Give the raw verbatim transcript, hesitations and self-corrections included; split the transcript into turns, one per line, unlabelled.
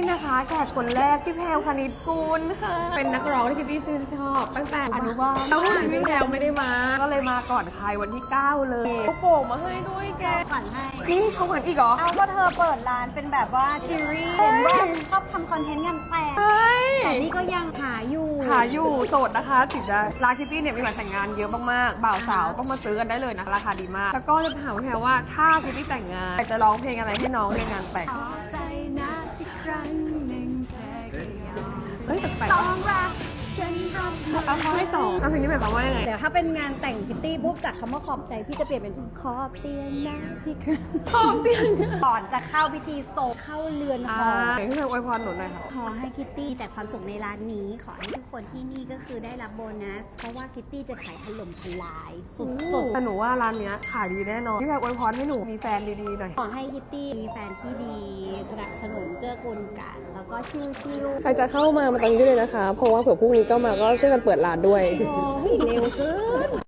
นะคะแขกคนแรกพี่แพรวคณิตกุลค่ะเป็นนักร้องที่คิตตี้ชื่นชอบตั้งแต่อนุบาลแล้ววันนี้พี่แพรวไม่ได้มาก็เลยมาก่อนใครวันที่เก้าเลยเขาโป่งมาให้ด้วยแก
ขวัญให้
นี่เขาขวัญอีกเหรอ
เอาก็เธอเปิดร้านเป็นแบบว่าจิวเวลรี่เห็นว่าชอบทำคอนเทนต์งานแต่ง
เฮ้ย
แต่นี่ก็ยังหาอยู่
หาอยู่โสดนะคะถึงจะร้านคิตตี้เนี่ยมีวันแต่งงานเยอะมากๆบ่าวสาวต้องมาซื้อกันได้เลยนะราคาดีมากแล้วก็จะถามแพรว่าถ้าคิตตี้แต่งงานจะร้องเพลงอะไรให้น้องในงานแต่ง
ใจนะที่ครั้งหนึ่งเธอก็ยอม
เฮ้ยแปลก
สองรักฉันรับ
ๆเอาเขาให้สองเอาเพลงนี้หมายความว่ายังไง
เดี๋ยวถ้าเป็นงานแต่งพิตตี้ปุ๊บจากคำว่าขอบใจพี่จะเปลี่ยนเป็นขอบเตียนนะที่ครั้ง
ขอบเตียน
ก่อนจะเข้าพิธีโศกเข้าเรือนห
อ่า
อ
พี่แพรอวยพรหนูหน่อยค่ะ
ขอให้คิตตี้แต่ความสุขในร้านนี้ ขอให้ทุกคนที่นี่ก็คือได้รับโบนัส เพราะว่าคิตตี้จะขายถล่มทลายสุด
แต่หนูว่าร้านเนี้ยขายดีแน่นอนพี่แพรอวยพรให้หนูมีแฟนดีๆหน่อย
ๆขอให้คิตตี้มีแฟนที่ดีสนับสนุนเกื้อกูลกัน แล้วก็ชิวชิว
ใครจะเข้ามามาตอนนี้ได้เลยนะคะ เพราะว่าเผื่อพรุ่งนี้ก็มาก็ช่วยกันเปิดร้านด้วย
โอ้ยเร็วเกิน